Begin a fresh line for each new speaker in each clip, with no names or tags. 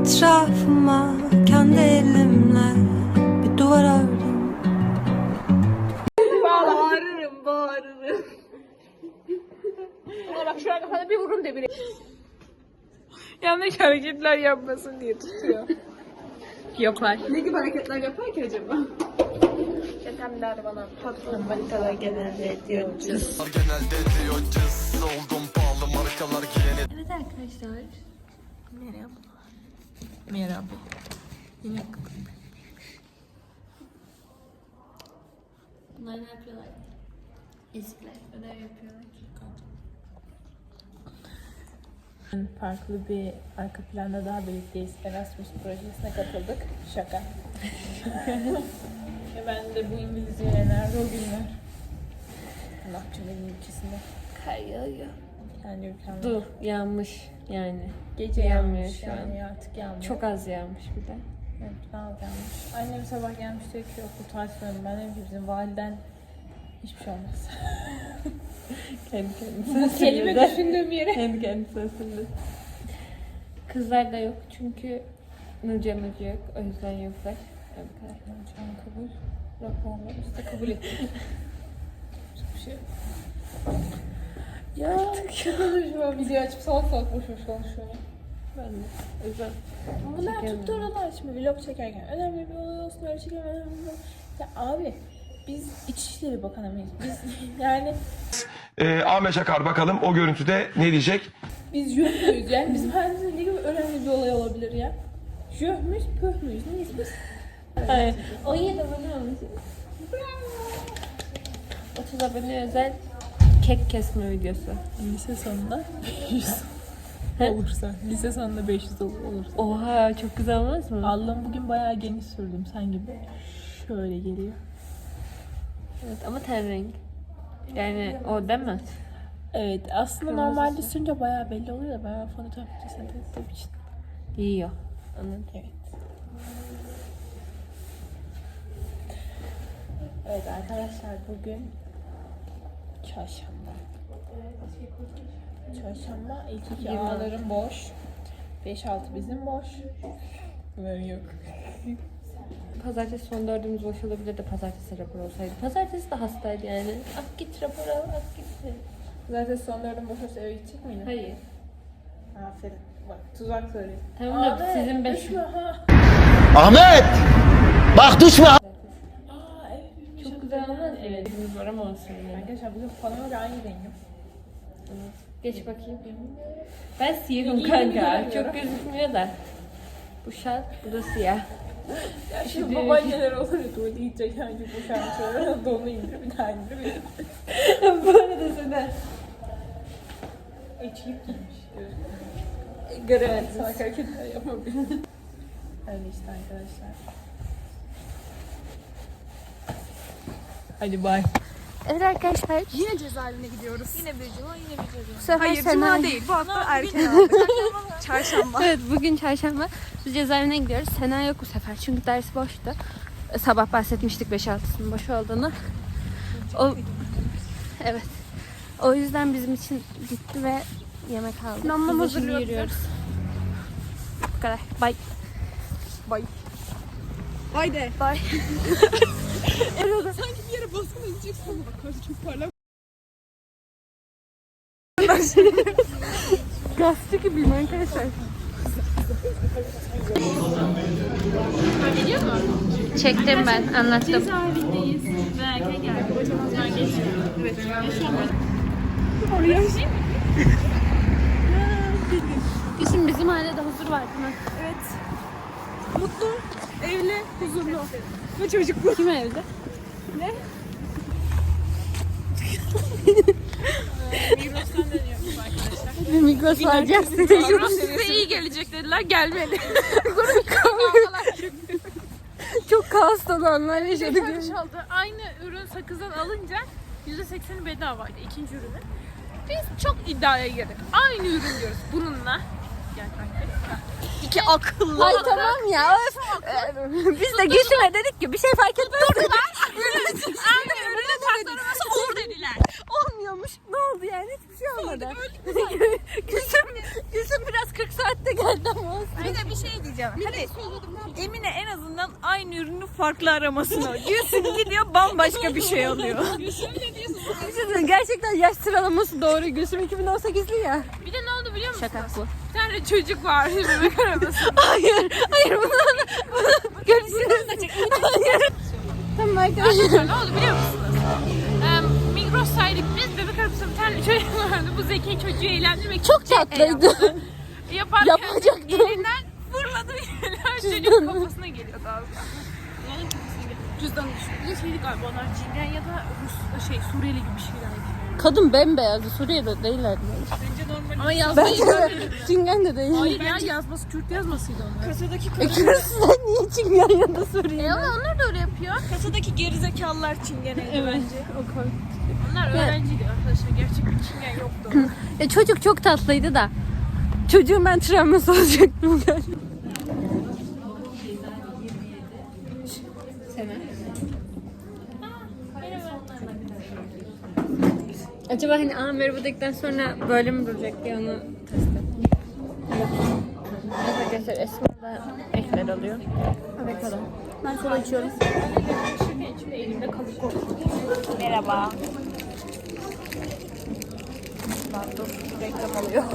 etrafıma kendi elimle bir duvar ördüm.
Bağırırım. Ona bak şu an kafana bir vurun de biri. Yanlış hareketler yapmasın diye tutuyor. Yapar.
Ne gibi hareketler yapar ki acaba?
Yatemler bana patron manitalar genelde diyoruz.
Oldum pahalı markalar giyene.
Evet arkadaşlar.
Merhaba. Merhaba. Yine
Bunlar ne yapıyorlar? Ezikler. Ödev yapıyorlar.
farklı bir arka planda daha birlikteyiz. Erasmus projesine katıldık. Şaka. Ben de bu İngilizce nerede o günler? Ne yapacağım evin ülkesinde?
Kar yağıyor.
Yani ülkemde.
Dur yağmış yani.
Gece
Yağmıyor
yağmış
şu an.
yani artık yağmıyor.
Çok az yağmış bir de.
Evet, daha az yağmış. Annem sabah gelmiş diyor ki okul tatilinde. Ben dedim ki bizim validen hiçbir şey olmaz.
Kendi kendine.
Bu kelime düşündüğüm yere.
Kendi kendisine sindir. Kızlar da yok çünkü Nurcan Hoca yok. O yüzden yoklar. Evet, bu kadar.
Şu an kabul. Raporlarımızı da kabul ettik. Hiçbir şey yok. Ya çok konuşma. Video açıp salak salak boş boş konuşuyorum.
Ben de. O yüzden
Bunlar
çekemiyorum.
tuttu oralar şimdi vlog çekerken. Önemli bir olay olsun öyle çekelim. Önemli bir olay. Ya abi biz İçişleri Bakanı mıyız? Biz yani
Ahmet Çakar bakalım o görüntüde ne diyecek?
biz jöh müyüz yani? Bizim hayatımızda ne gibi önemli bir olay olabilir ya? Jöh müyüz, pöh müyüz? Neyiz biz?
Hayır. 17 abone olmuşuz. 30 abone özel kek kesme videosu.
Lise sonunda 500 olursa. Lise sonunda 500 olursa.
Oha çok güzel olmaz mı?
Allah'ım bugün bayağı geniş sürdüm sen gibi. Şöyle geliyor.
Evet ama ten renk. Yani o değil mi?
Evet aslında normalde sürünce bayağı belli oluyor da ben fotoğraf sentez ettiğim için.
Yiyor. Anladım.
Evet. Evet arkadaşlar bugün çarşamba. Çarşamba ilk iki ağlarım boş. 5-6 bizim boş. Bunların yok.
Pazartesi son dördümüz boş olabilirdi. Pazartesi rapor olsaydı. Pazartesi de hastaydı yani. Ak git rapor al, ak git.
Zaten son dördüm boş olsa eve gidecek miydin?
Hayır.
Aferin. Bak tuzak söyleyeyim.
Tamam da sizin beş.
Düşme ha.
Ahmet! Bak düşme!
Aa evet.
Çok güzel olmaz mı? Evet. Bizimiz var ama olsun yani.
Arkadaşlar bugün fanımla aynı rengim.
Geç bakayım. Ben siyahım
İyi
kanka.
göremiyorum.
Çok gözükmüyor da. Bu şal, bu da siyah.
Ya şimdi babaanneler olur ya tuvalete gidecek yani bu şarkıları donu indir bir daha indir bir
Bu arada sana.
içlik giymiş.
Göremedim.
Salak hareketler yapabilir. Öyle işte arkadaşlar. Hadi bay.
Evet arkadaşlar.
Yine cezaevine gidiyoruz.
Yine bir cuma yine bir cuma.
Bu sefer
Hayır
Sena-
cuma değil. Bu hafta erken aldık. Çarşamba.
Evet bugün çarşamba. Biz cezaevine gidiyoruz. Sena yok bu sefer çünkü ders boştu. Sabah bahsetmiştik 5-6'sının boş olduğunu. O, evet. O yüzden bizim için gitti ve yemek aldı.
Namlam
Biz de şimdi
hazırlıyor bize.
yürüyoruz. Bu kadar. Bye.
Bay. Bay de.
Bye.
Sanki bir yere baskın edeceksin ama bak karşı çok parlak.
Gazete gibiyim arkadaşlar. Çektim ben, anlattım.
Cezaevindeyiz. Ve erken geldi. Hocamızdan geçiyor. Evet.
Oraya.
Şimdi bizim ailede huzur var değil mi?
Evet. Mutlu, evli, huzurlu. Ve çocuklu.
Kim evde?
Migros'tan dönüyoruz arkadaşlar.
Migros alacağız.
Size iyi gelecek dediler. Gelmedi.
Çok kaos dolu anlar yaşadık.
Aldı. Aynı ürün sakızdan alınca %80'i bedavaydı ikinci ürünü. Biz çok iddiaya girdik. Aynı ürün diyoruz bununla. Gel kanka. İki akıllı.
Ay tamam ya. Biz de Gülsüm'e dedik ki bir şey fark etmez.
Aynı ürünü tasarlaması olur dediler.
Olmuyormuş. Ne oldu yani? Hiçbir şey olmadı. Gülsüm biraz 40 saatte geldi ama olsun.
Aynen bir şey diyeceğim. Hadi Emine en azından aynı ürünü farklı aramasını. Gülsüm gidiyor bambaşka bir şey alıyor.
Gerçekten yaş sıralaması doğru. Gülsüm 2018'li ya.
Bir de ne oldu biliyor musun?
Şaka bu.
Bir tane çocuk var bebek arabası.
Hayır bunu görüşürüz. Hayır. Tamam arkadaşlar.
Ne oldu biliyor musunuz? Migros'taydık biz. Bebek arabasında bir tane çocuk vardı. Bu zeki çocuğu eğlendirmek
Çok tatlıydı.
yaparken
Yapacaktım.
elinden fırladı bir çocuk kafasına geliyordu az daha. Yani kafasına geliyordu. Cüzdanı düşürdü. Bir de şeydi galiba onlar Çingen ya da Rus, Suriyeli gibi bir şeylerdi.
Kadın bembeyazdı. Suriye'de değillerdi.
Bence normal.
Ama yazmayı
Bence de Çingen de değil.
Hayır ya yazması Kürt yazmasıydı onlar.
kasadaki
Kırısından niye Çingen ya da Suriye?
Ama onlar da öyle yapıyor.
kasadaki gerizekalılar çingeneydi bence.
Onlar öğrenciydi arkadaşlar. Gerçek bir Çingen yoktu.
Çocuk çok tatlıydı da. Çocuğun ben travması olacaktım galiba. Acaba hani merhaba dedikten sonra böyle mi duracak diye onu test ettim. Evet arkadaşlar Esma da ekler alıyor. Avokado. Ben kola içiyorum.
İçinde elimde kalıp korktum.
Merhaba. Dur reklam oluyor.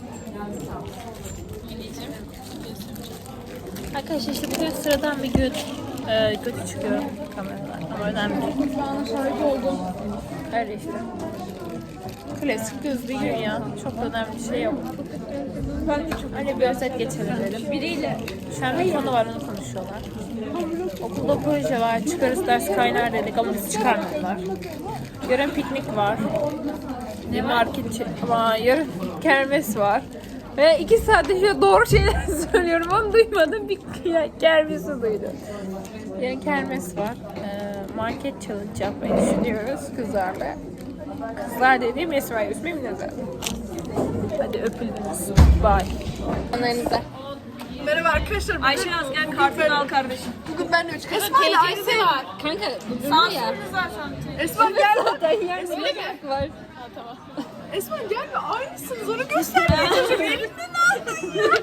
Arkadaşlar işte bugün sıradan bir gün kötü çıkıyorum kameradan ama önemli değil.
Şu an şahit oldum.
Öyle işte. Klasik düz bir gün ya. Çok da önemli bir şey yok.
Ben de çok
Öyle bir özet geçelim dedim. Biriyle şu an bir konu var onu konuşuyorlar. Okulda proje var. Çıkarız ders kaynar dedik ama bizi çıkarmadılar. Yarın piknik var. Ne market ama yarın kermes var. Ve 2 saattir şöyle doğru şeyler söylüyorum ama duymadım. Bir kermesi duydum. Yarın kermes var. Market challenge yapmayı düşünüyoruz kızlarla. Kızlar dediğim Esma Yusuf Minazar. Hadi öpüldünüz. Bye. Anlarınıza.
Merhaba arkadaşlar.
Ayşe Naz gel kartını al kardeşim.
Bugün ben de üç. Esma ile aynı şey.
var. Kanka bu ya.
Esma gel.
Yersin var.
Esma gel ve aynısınız. Onu göstermeye çocuk. Elinden aldın ya.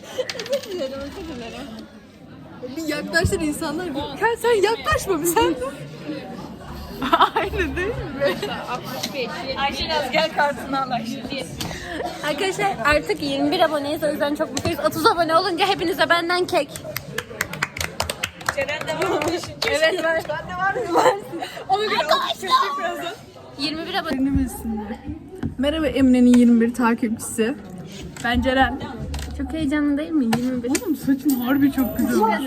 Bir yaklaşır insanlar. Sen yaklaşma bir sen. Aynı değil mi?
Ayşe Naz gel kartını al Ayşe.
Arkadaşlar artık 21 aboneyiz o yüzden çok mutluyuz. 30 abone olunca hepinize benden kek.
Ceren de var mı?
Evet var.
Ben de var mı? Varsın. Onu göre çocuk birazdan.
21 abone.
Merhaba Emine'nin 21 takipçisi. Ben Ceren.
Çok heyecanlı değil mi? 21.
Oğlum saçın harbi çok güzel olmuş.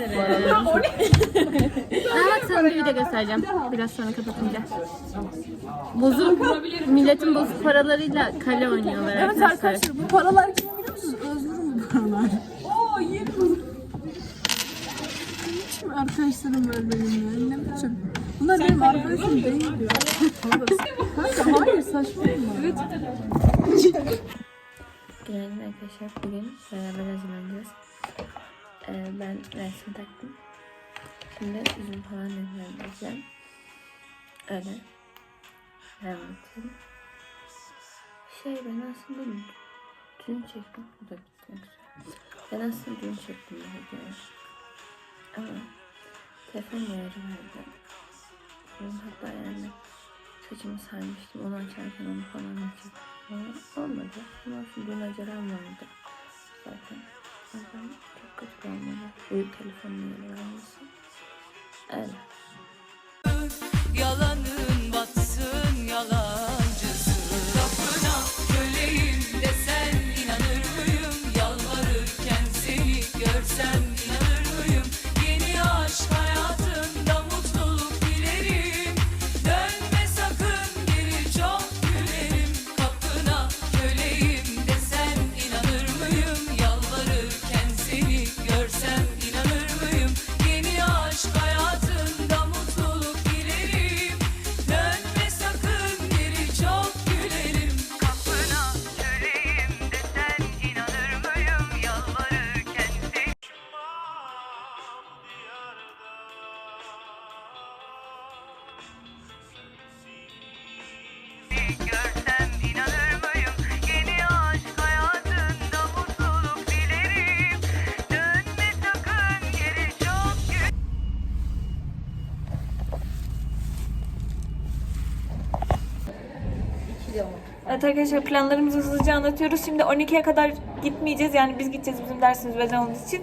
Bak sana bir video göstereceğim. Biraz sonra kapatınca. Bozuk, milletin bozuk paralarıyla kale oynuyorlar
Evet
arkadaşlar.
arkadaşlar bu paralar kim biliyor musunuz? Özgür'ün bu paralar. Oo yerim. Hiç mi arkadaşlarım var benim ya? Ne biçim? Bunlar benim arkadaşım değil diyor. Kanka hayır saçmalama. Evet.
Günaydın arkadaşlar. Bugün beraber hazırlanacağız. Ben resim taktım. Şimdi üzüm falan nemlendireceğim. Öyle. Anlatayım. Ben aslında dün çektim. Bu da bitmek üzere. Ben aslında dün çektim bu videoyu. Ama telefon ayarı verdi. Hatta yani saçımı sarmıştım. Onu açarken onu falan açıp olmadı. Ama dün acelem vardı. Zaten. O yüzden çok kötü olmadı. Uyup telefonun yeri vermesi. Öyle.
Yalanın batsın yalancısın. Kapına köleyim desen inanır mıyım? Yalvarırken seni görsem inanır mıyım? Yeni aşk hayatında mutluluk dilerim. Dönme sakın geri çok gülerim. Kapına köleyim desen inanır mıyım? Yalvarırken seni görsem inanır mıyım? Yeni aşk hayatında mutluluk dilerim. Dönme sakın geri çok gülerim. Kapına köleyim desen inanır mıyım? Yalvarırken seni
Evet arkadaşlar, planlarımızı hızlıca anlatıyoruz. Şimdi 12'ye kadar gitmeyeceğiz. Yani biz gideceğiz, bizim dersimiz beden olduğu için.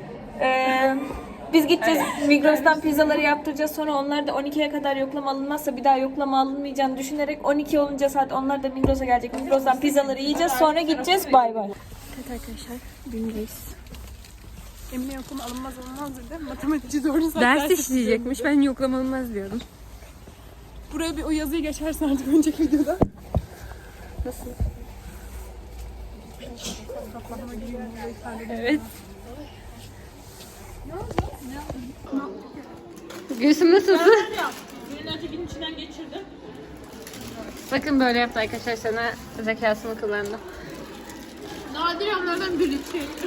Biz gideceğiz, Migros'tan pizzaları yaptıracağız. Sonra onlar da 12'ye kadar yoklama alınmazsa bir daha yoklama alınmayacağını düşünerek 12 olunca saat onlar da Migros'a gelecek. Migros'tan pizzaları yiyeceğiz. Sonra gideceğiz. Bay bay.
Evet arkadaşlar, gündeyiz.
Emine yoklama alınmaz dedi. Matematikçi doğru saat
Ders işleyecekmiş. Ben yoklama olmaz diyordum.
Buraya bir o yazıyı geçersin artık önceki videoda.
Nasıl? Evet. Gülsüm nasılsın?
Gün içinden geçirdim.
Bakın böyle yaptı arkadaşlar, sana zekasını kullandı.
Nadir anlardan biri.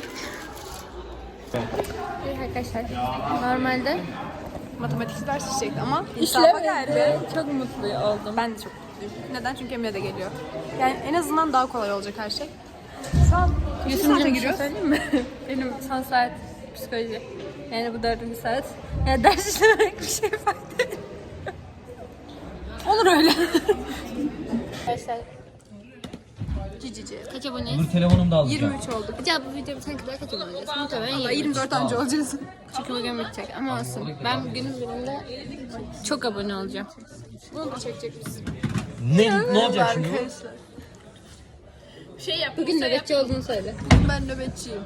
Evet arkadaşlar, normalde
Matematikçi ders işleyecekti ama
insafa geldi. Çok mutlu oldum.
ben de çok mutluyum. Neden? Çünkü Emine de geliyor. Yani en azından daha kolay olacak her şey. Şu an kaçıncı saate
Giriyor.
giriyoruz?
Söyleyeyim mi? Benim son saat psikoloji. Yani bu 4. saat. Yani ders işlemek bir şey fark değil.
Olur öyle.
Arkadaşlar
Cici.
kaç aboneyiz?
Telefonum da aldı.
23 olduk.
Acaba bu video bitene kadar kaç abone olacağız? Muhtemelen
Valla
23.
24 önce olacağız.
Çünkü bugün bitecek ama olsun. Ben günün birinde çok abone olacağım.
Bunu da çekecek biz.
Ne olacak şimdi?
Arkadaşlar.
Bugün nöbetçi olduğunu söyle.
Ben nöbetçiyim.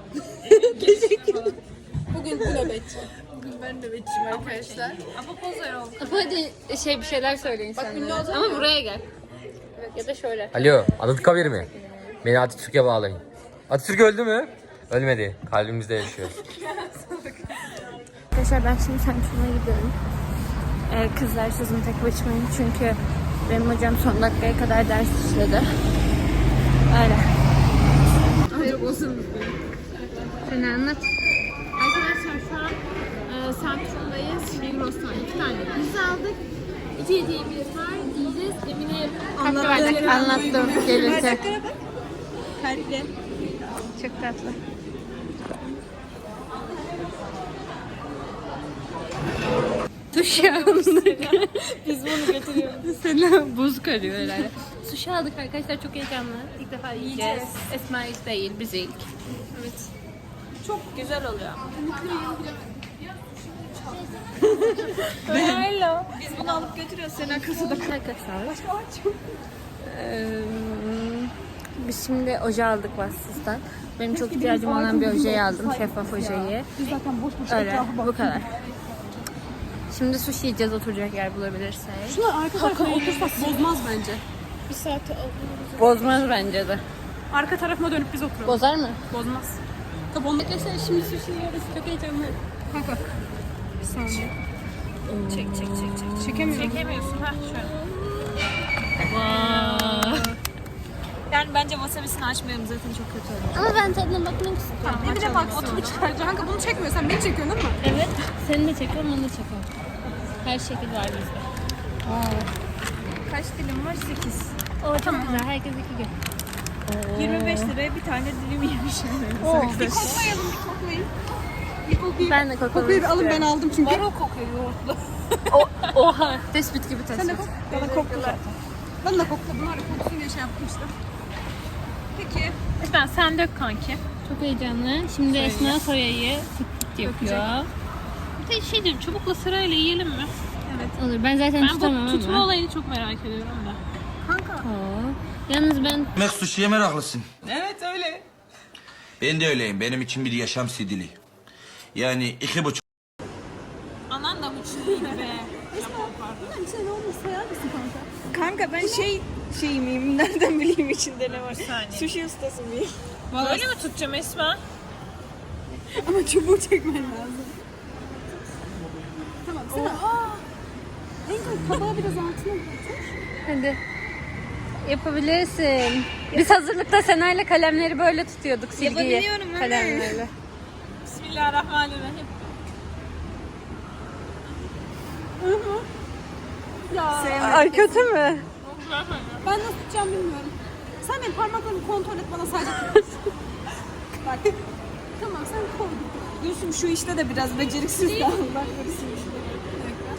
Bugün bu nöbetçi. Bugün ben nöbetçiyim arkadaşlar. Ama pozer oldu.
Ama hadi bir şeyler söyle insanlara. Ama buraya gel. Ya da şöyle.
Alo, Anıtkabir mi? Beni Atatürk'e bağlayın. Atatürk öldü mü? Ölmedi. Kalbimizde yaşıyor.
Arkadaşlar ben şimdi Samsun'a gidiyorum. Kızlar sözüm tek başımayım çünkü benim hocam son dakikaya kadar ders işledi. Öyle. Seni anlat.
Arkadaşlar şu an Samsun'dayız. Migros'tan 2 tane pizza aldık. 2 hediyemiz var. Yiyeceğiz. Emine
Anlattım gelirken.
Kalple.
Çok tatlı. Duş aldık.
Biz bunu götürüyoruz.
Sana buz karıyor herhalde. Sushi aldık arkadaşlar, çok heyecanlı. İlk defa yiyeceğiz. Esma ilk değil, biz ilk.
Evet. Çok güzel oluyor. Hello. Biz bunu alıp götürüyoruz. Sena kasada.
Arkadaşlar. Biz şimdi oje aldık Vassız'dan. Benim çok ihtiyacım olan bir ojeyi aldım. Şeffaf ojeyi. Öyle, bu kadar. Şimdi sushi yiyeceğiz, oturacak yer bulabilirsek.
Şuna arka tarafa otursak bozmaz bence.
Bozmaz bence de.
arka tarafıma dönüp biz oturalım.
Bozar mı?
Bozmaz.
Tabii onu arkadaşlar şimdi sushi yiyoruz. Çok heyecanlı.
Bak. Bir saniye. Çek. Çekemiyorsun. Ha şöyle.
Yani bence wasabisini açmayalım, zaten çok kötü olur.
Ama ben tadına bakmak istiyorum.
Bir de bak oturup çıkaracağım. Kanka bunu çekmiyorsan beni çekiyorsun değil mi?
Evet. Seni de çekiyorum, onu da çekiyorum. Her şekil var bizde.
Kaç dilim var? 8.
Tamam. Güzel. Herkes 2 gün.
25 liraya bir tane dilim yemişim.
Bir koklayalım, bir koklayın. Bir koklayayım.
Ben de koklamak
Koklayı bir alın, ben
istiyorum.
aldım çünkü.
Var o kokuyor yoğurtlu.
Oha. Tespit gibi
Sen de
tespit.
kok. Bana kokla zaten. Ben de kokla. Bunlar da koksun diye şey yaptım işte. Peki.
Esma sen dök kanki.
Çok heyecanlı. Şimdi Esma soyayı fıt fıt yapıyor.
Bir de şey diyeyim, çubukla sırayla yiyelim mi?
Olur. Ben zaten
Ben
tutamam
bu
ama.
tutma olayını çok merak ediyorum da.
Yalnız ben
Demek sushi'ye meraklısın. Evet öyle. Ben de öyleyim. Benim için bir yaşam sidili. Yani 2,5.
Anan da uçluydu be.
Bir şey olmasa sayar mısın kanka?
Kanka ben şey miyim? Nereden bileyim içinde ne var? Sushi ustası mıyım?
Böyle mi tutacağım Esma?
Ama çubuğu çekmen lazım. Tamam sen en kabağı biraz altına bırak.
hadi. Yapabilirsin. Biz hazırlıkta Sena'yla kalemleri böyle tutuyorduk, silgiyi.
Yapabiliyorum, evet.
Kalemlerle.
Bismillahirrahmanirrahim.
Ay kötü mü?
Ben nasıl tutacağım bilmiyorum. Sen benim parmaklarımı kontrol et, bana sadece tut. Bak. Tamam sen koy.
Gülsüm şu işte de biraz beceriksiz de. Bak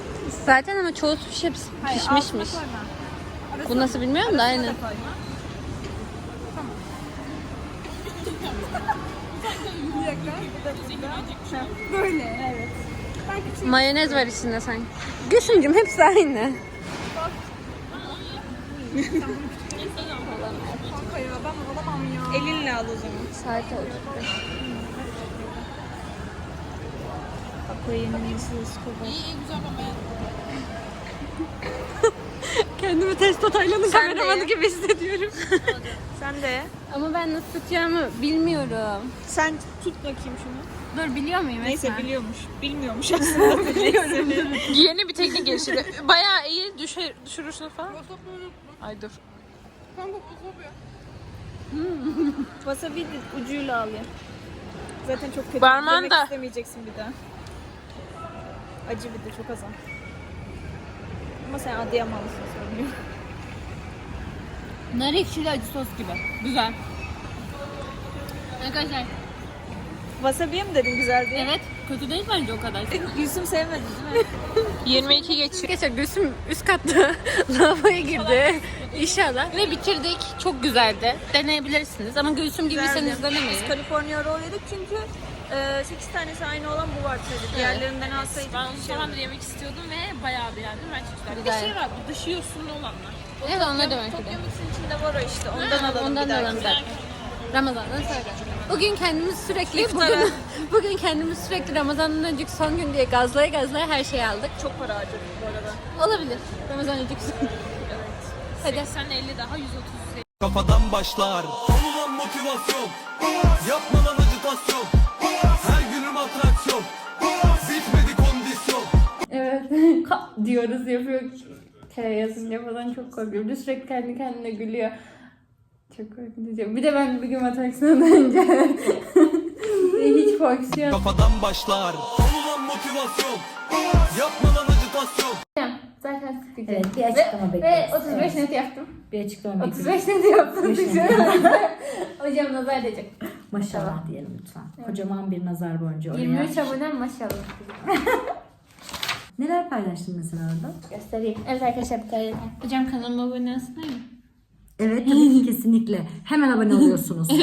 Zaten ama çoğu sushi hepsi pişmişmiş. Bu nasıl bilmiyorum da aynen.
Böyle evet.
Mayonez var içinde sanki. Gülsüncüm hepsi aynı.
Kanka ya ben alamam ya.
Elinle al o zaman.
Saat oldu. Kendimi Testo Taylan'ın kameramanı gibi hissediyorum.
Sen de.
Ama ben nasıl tutacağımı bilmiyorum.
Sen tut bakayım şunu.
Dur biliyor muyum?
Neyse
Esma?
biliyormuş. Bilmiyormuş aslında. Biliyorum.
Yeni bir teknik geliştirdi. Bayağı iyi düşürürsün falan. Ay dur.
Wasabi ucuyla al ya. Zaten çok kötü.
Parmağın
Yemek
da.
istemeyeceksin bir daha. Acı bir de çok az al. Ama sen Adıyamanlısın söylüyorum.
Nar ekşili acı sos gibi. Güzel. Arkadaşlar
Wasabi'ye mi dedin güzel diye?
evet kötü değil bence o kadar.
Gülsüm sevmedi değil mi?
22 geçiyor.
Arkadaşlar Gülsüm üst katta lavaboya girdi. İnşallah. Ve bitirdik. Çok güzeldi. Deneyebilirsiniz ama Gülsüm gibiyseniz denemeyin.
Biz California Roll yedik çünkü 8 tanesi aynı olan bu var tabii. Diğerlerinden alsaydık.
Ben uzun zamandır yemek istiyordum ve bayağı beğendim. Ben çok güzel. Bir de
Güzel.
şey var, bu dışı yosunlu olanlar.
Evet onlar da var.
Tokyo Mix'in içinde var o işte. Ondan alalım
Ondan
bir
da
dahaki.
alalım zaten. Ramazan'dan sonra. Bugün kendimiz sürekli
İftara.
bugün kendimiz sürekli Ramazan'dan önceki son gün diye gazlaya her şeyi aldık.
Çok para harcadık bu arada.
Olabilir. Ramazan önceki son gün. Hadi.
80 50 daha 130.
Kafadan başlar. Olunan motivasyon. Yapma lan acitasyon. Her günüm atraksiyon. Bitmedi kondisyon.
Evet. Diyoruz yapıyor. K yazınca falan çok korkuyorum. Bir de sürekli kendi kendine gülüyor. Çok korkutucu. Bir de ben bir gün matematikten önce hiç fonksiyon.
Kafadan başlar. Olunan motivasyon. Yapma lan acitasyon.
Zaten sıkıcı.
Evet, bir açıklama
Ve
bekliyoruz.
35 net yaptım.
Bir açıklama
35 net yaptım. Hocam nazar edecek.
Maşallah diyelim lütfen. Kocaman bir nazar boncuğu oraya.
23 abonem maşallah.
Neler paylaştın mesela orada?
Göstereyim. Evet arkadaşlar bir tane. Hocam kanalıma abone olsunlar mı?
Evet tabii ki kesinlikle. Hemen abone oluyorsunuz.